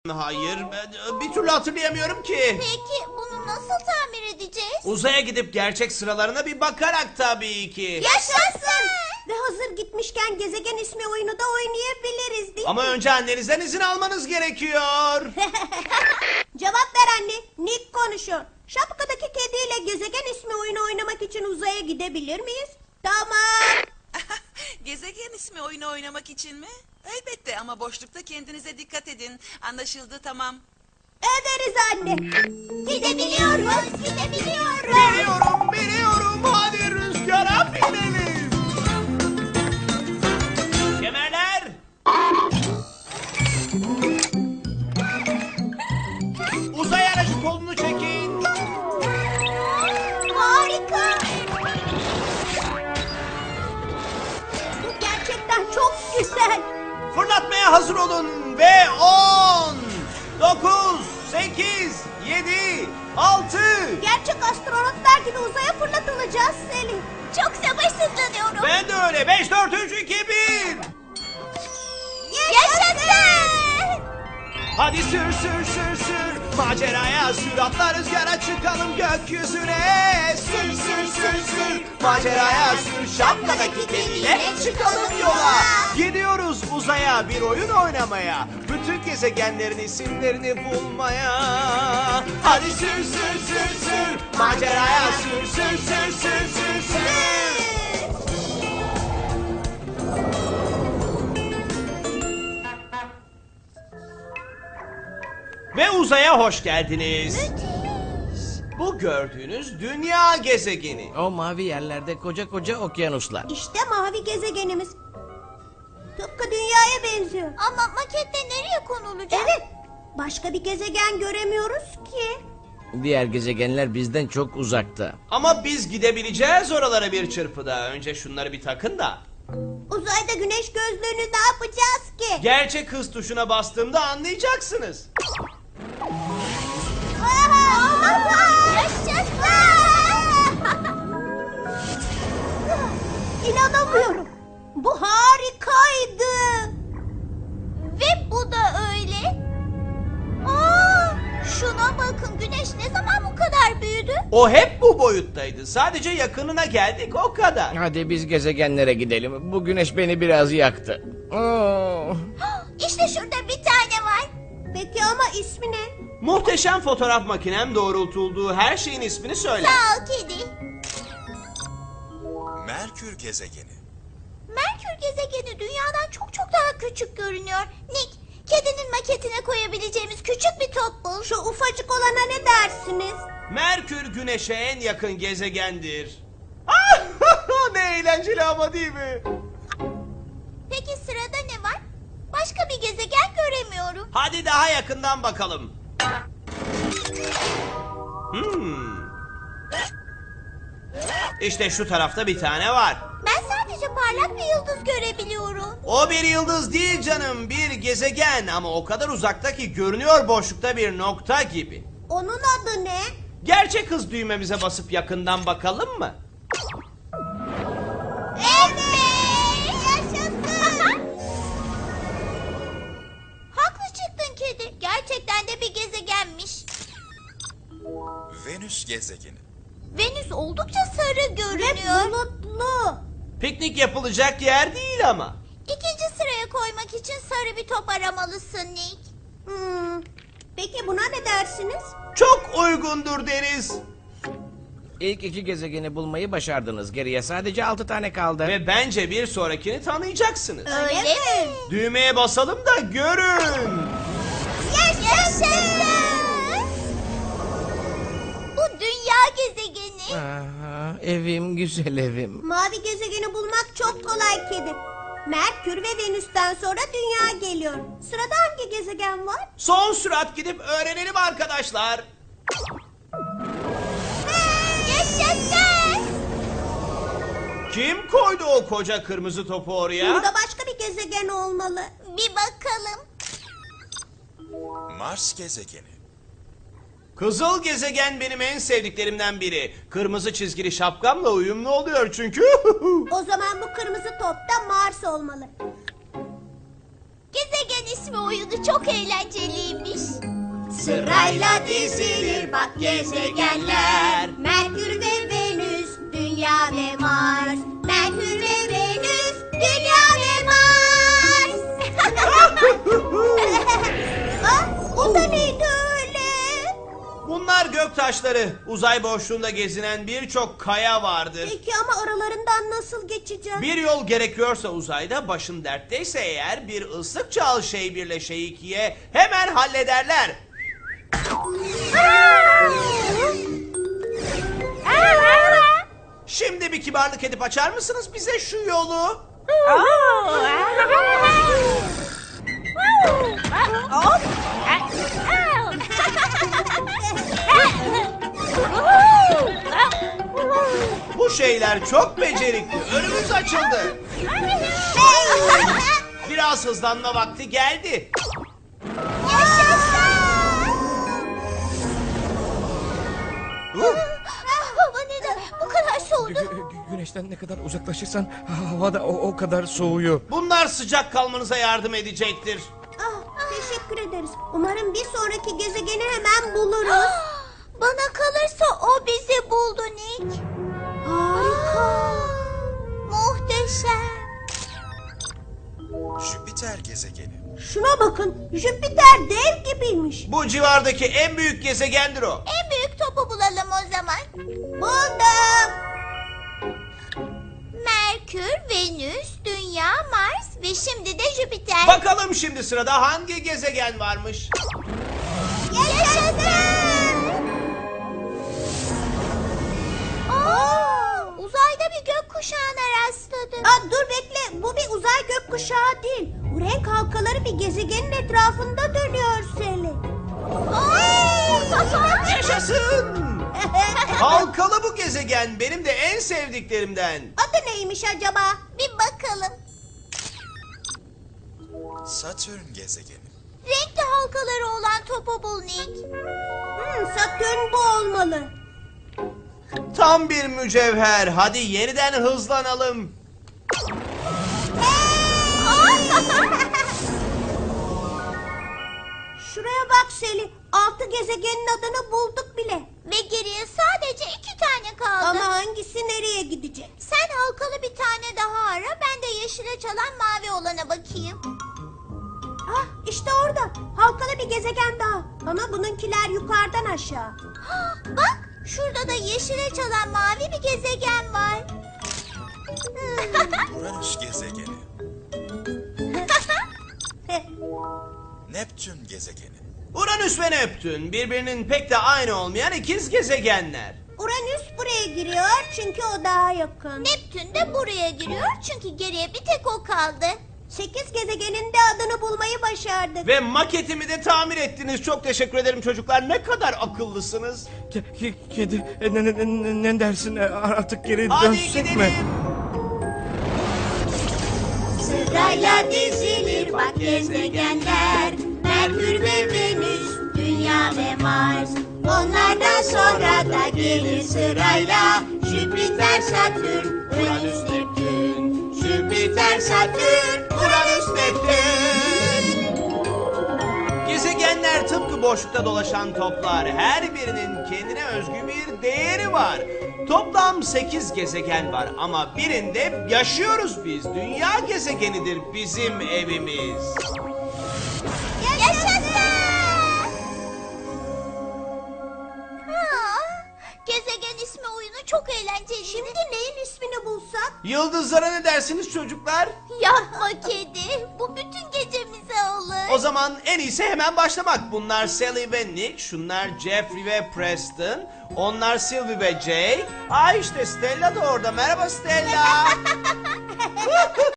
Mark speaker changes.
Speaker 1: Hayır, bir türlü hatırlayamıyorum ki.
Speaker 2: Peki bunu nasıl tamir edeceğiz?
Speaker 1: Uzaya gidip gerçek sıralarına bir bakarak tabii ki.
Speaker 2: Yaşasın!
Speaker 3: Ve hazır gitmişken gezegen ismi oyunu da oynayabiliriz değil mi?
Speaker 1: Ama önce annenizden izin almanız gerekiyor.
Speaker 3: Cevap ver anne. Nick konuşuyor. Şapkadaki kediyle gezegen ismi oyunu oynamak için uzaya gidebilir miyiz? Tamam.
Speaker 4: Gezegen ismi oyunu oynamak için mi? Elbette ama boşlukta kendinize dikkat edin. Anlaşıldı, tamam.
Speaker 3: Ederiz anne.
Speaker 2: Gidebiliyoruz, gidebiliyoruz.
Speaker 1: Biliyorum. Hadi rüzgara binelim. Kemerler. Uzay aracı kolunu çekin.
Speaker 2: Harika.
Speaker 3: Bu gerçekten çok güzel.
Speaker 1: Fırlatmaya hazır olun ve 10, 9, 8, 7, 6.
Speaker 3: Gerçek astronotlar gibi uzaya fırlatılacağız Selin.
Speaker 2: Çok sabırsızlanıyorum.
Speaker 1: Ben de öyle. 5, 4, 3, 2, 1.
Speaker 2: Yaşasın!
Speaker 1: Hadi sür. Maceraya sür, atla rüzgara çıkalım gökyüzüne. Sür. Maceraya sür, şapkadaki kediyle çıkalım yola. Gidiyoruz uzaya bir oyun oynamaya. Bütün gezegenlerin isimlerini bulmaya. Hadi sür. Maceraya sür. Ve uzaya hoş geldiniz. Bu gördüğünüz dünya gezegeni.
Speaker 5: O mavi yerlerde koca okyanuslar.
Speaker 3: İşte mavi gezegenimiz. Tıpkı dünyaya benziyor.
Speaker 2: Ama makette nereye konulacak?
Speaker 3: Evet. Başka bir gezegen göremiyoruz ki.
Speaker 5: Diğer gezegenler bizden çok uzakta.
Speaker 1: Ama biz gidebileceğiz oralara bir çırpıda. Önce şunları bir takın da.
Speaker 3: Uzayda güneş gözlüğünü ne yapacağız ki?
Speaker 1: Gerçek hız tuşuna bastığımda anlayacaksınız.
Speaker 2: Yaşasın!
Speaker 3: İnanamıyorum. Bu harikaydı.
Speaker 2: Ve bu da öyle. Aa, şuna bakın, güneş ne zaman bu kadar büyüdü?
Speaker 1: O hep bu boyuttaydı. Sadece yakınına geldik o kadar.
Speaker 5: Hadi biz gezegenlere gidelim. Bu güneş beni biraz yaktı. Oo.
Speaker 2: İşte şurada bir tane var.
Speaker 3: Peki ama ismi ne?
Speaker 1: Muhteşem fotoğraf makinem doğrultulduğu her şeyin ismini söyler.
Speaker 2: Sağ ol kedi.
Speaker 6: Merkür gezegeni.
Speaker 2: Merkür gezegeni dünyadan çok daha küçük görünüyor. Nick, kedinin maketine koyabileceğimiz küçük bir top bul.
Speaker 3: Şu ufacık olana ne dersiniz?
Speaker 1: Merkür güneşe en yakın gezegendir. Ne eğlenceli ama değil mi?
Speaker 2: Peki sırada ne var? Başka bir gezegen göremiyorum.
Speaker 1: Hadi daha yakından bakalım. İşte şu tarafta bir tane var.
Speaker 2: Ben sadece parlak bir yıldız görebiliyorum.
Speaker 1: O bir yıldız değil canım, bir gezegen ama o kadar uzakta ki görünüyor boşlukta bir nokta gibi.
Speaker 3: Onun adı ne?
Speaker 1: Gerçek hız düğmemize basıp yakından bakalım mı?
Speaker 2: Evet! Yaşasın! Haklı çıktın kedi. Gerçekten de bir gezegenmiş.
Speaker 6: Venüs gezegeni.
Speaker 2: Venüs oldukça sarı
Speaker 3: Ve
Speaker 2: görünüyor.
Speaker 3: bulutlu.
Speaker 1: Piknik yapılacak yer değil ama.
Speaker 2: İkinci sıraya koymak için sarı bir top aramalısın Nick.
Speaker 3: Peki buna ne dersiniz?
Speaker 1: Çok uygundur deriz.
Speaker 5: İlk iki gezegeni bulmayı başardınız. Geriye sadece 6 tane kaldı.
Speaker 1: Ve bence bir sonrakini tanıyacaksınız.
Speaker 2: Öyle mi?
Speaker 1: Düğmeye basalım da görün.
Speaker 2: Yaşasın! Bu dünya gezegeni.
Speaker 5: Aha, evim, güzel evim.
Speaker 3: Mavi gezegeni bulmak çok kolay kedi. Merkür ve Venüs'ten sonra Dünya geliyor. Sırada hangi gezegen var?
Speaker 1: Son sürat gidip öğrenelim arkadaşlar.
Speaker 2: Yaşasın!
Speaker 1: Kim koydu o koca kırmızı topu oraya?
Speaker 3: Burada başka bir gezegen olmalı.
Speaker 2: Bir bakalım.
Speaker 6: Mars gezegeni.
Speaker 1: Kızıl gezegen benim en sevdiklerimden biri. Kırmızı çizgili şapkamla uyumlu oluyor çünkü.
Speaker 3: O zaman bu kırmızı top da Mars olmalı.
Speaker 2: Gezegen ismi oyunu oyunu çok eğlenceliymiş.
Speaker 3: Sırayla dizilir bak gezegenler. Merkür ve Venüs, Dünya ve Mars. Merkür ve Venüs, Dünya ve Mars. O da neydi öyle?
Speaker 1: Bunlar göktaşları. Uzay boşluğunda gezinen birçok kaya vardır.
Speaker 3: Peki ama aralarından nasıl geçeceğim?
Speaker 1: Bir yol gerekiyorsa uzayda, başın dertteyse eğer, bir ıslık çal şey birle şey ikiye hemen hallederler. Şimdi bir kibarlık edip açar mısınız bize şu yolu? Bu şeyler çok becerikli. Önümüz açıldı. Biraz hızlanma vakti geldi.
Speaker 2: Hava neden bu kadar soğudu?
Speaker 5: Güneşten ne kadar uzaklaşırsan hava da o kadar soğuyor.
Speaker 1: Bunlar sıcak kalmanıza yardım edecektir.
Speaker 3: Teşekkür ederiz. Umarım bir sonraki gezegeni hemen buluruz.
Speaker 2: Bana kalırsa o bizi buldu Nick.
Speaker 3: Harika.
Speaker 2: Muhteşem.
Speaker 6: Jüpiter gezegeni.
Speaker 3: Şuna bakın. Jüpiter dev gibiymiş.
Speaker 1: Bu civardaki en büyük gezegendir o.
Speaker 2: En büyük topu bulalım o zaman.
Speaker 3: Buldum.
Speaker 2: Merkür, Venüs, Dünya, Mars ve şimdi de Jüpiter.
Speaker 1: Bakalım şimdi sırada hangi gezegen varmış?
Speaker 2: Yaşasın! Uzayda bir gökkuşağına rastladım.
Speaker 3: Dur bekle. Bu bir uzay gökkuşağı değil. Bu renk halkaları bir gezegenin etrafında dönüyor Seli.
Speaker 1: Yaşasın! Halkalı bu gezegen benim de en sevdiklerimden.
Speaker 3: Adı neymiş acaba?
Speaker 2: Bir bakalım.
Speaker 6: Satürn gezegeni.
Speaker 2: Renkli halkaları olan topu bul Nick.
Speaker 3: Satürn bu olmalı.
Speaker 1: Tam bir mücevher. Hadi yeniden hızlanalım.
Speaker 3: Şuraya bak Seli. 6 gezegenin adını bulduk bile.
Speaker 2: Ve geriye sadece 2 tane kaldı.
Speaker 3: Ama hangisi nereye gidecek?
Speaker 2: Sen halkalı bir tane daha ara. Ben de yeşile çalan mavi olana bakayım.
Speaker 3: İşte orada. Halkalı bir gezegen daha. Ama bununkiler yukarıdan aşağı.
Speaker 2: Bak şurada da yeşile çalan mavi bir gezegen var.
Speaker 6: Uranüs gezegeni. Neptün gezegeni.
Speaker 1: Uranüs ve Neptün birbirinin pek de aynı olmayan ikiz gezegenler.
Speaker 3: Uranüs buraya giriyor çünkü o daha yakın.
Speaker 2: Neptün de buraya giriyor çünkü geriye bir tek o kaldı.
Speaker 3: 8 gezegenin de adını bulmayı başardık.
Speaker 1: Ve maketimi de tamir ettiniz. Çok teşekkür ederim çocuklar. Ne kadar akıllısınız.
Speaker 5: Kedi ne dersin artık geri
Speaker 1: Hadi
Speaker 5: dönsek
Speaker 1: gidelim.
Speaker 5: mi?
Speaker 3: Sırayla dizilir bak gezegenler. Merkür ve Venüs, Dünya ve Mars. Onlardan sonra da gelir sırayla Jüpiter, Satürn, Uranüs, Neptün. Jüpiter, Satürn,
Speaker 1: Uranüs, Neptün. Gezegenler tıpkı boşlukta dolaşan toplar. Her birinin kendine özgü bir değeri var. Toplam 8 gezegen var ama birinde yaşıyoruz biz. Dünya gezegenidir bizim evimiz.
Speaker 2: Yaşasın! Gezegen ismi oyunu çok eğlenceli.
Speaker 3: Şimdi neyin ismini bulsak?
Speaker 1: Yıldızlara ne dersiniz çocuklar?
Speaker 2: Yapma kedi. Bu bütün gecemize olur.
Speaker 1: O zaman en iyisi hemen başlamak. Bunlar Sally ve Nick, şunlar Jeffrey ve Preston, onlar Sylvie ve Jay. İşte Stella da orada. Merhaba Stella.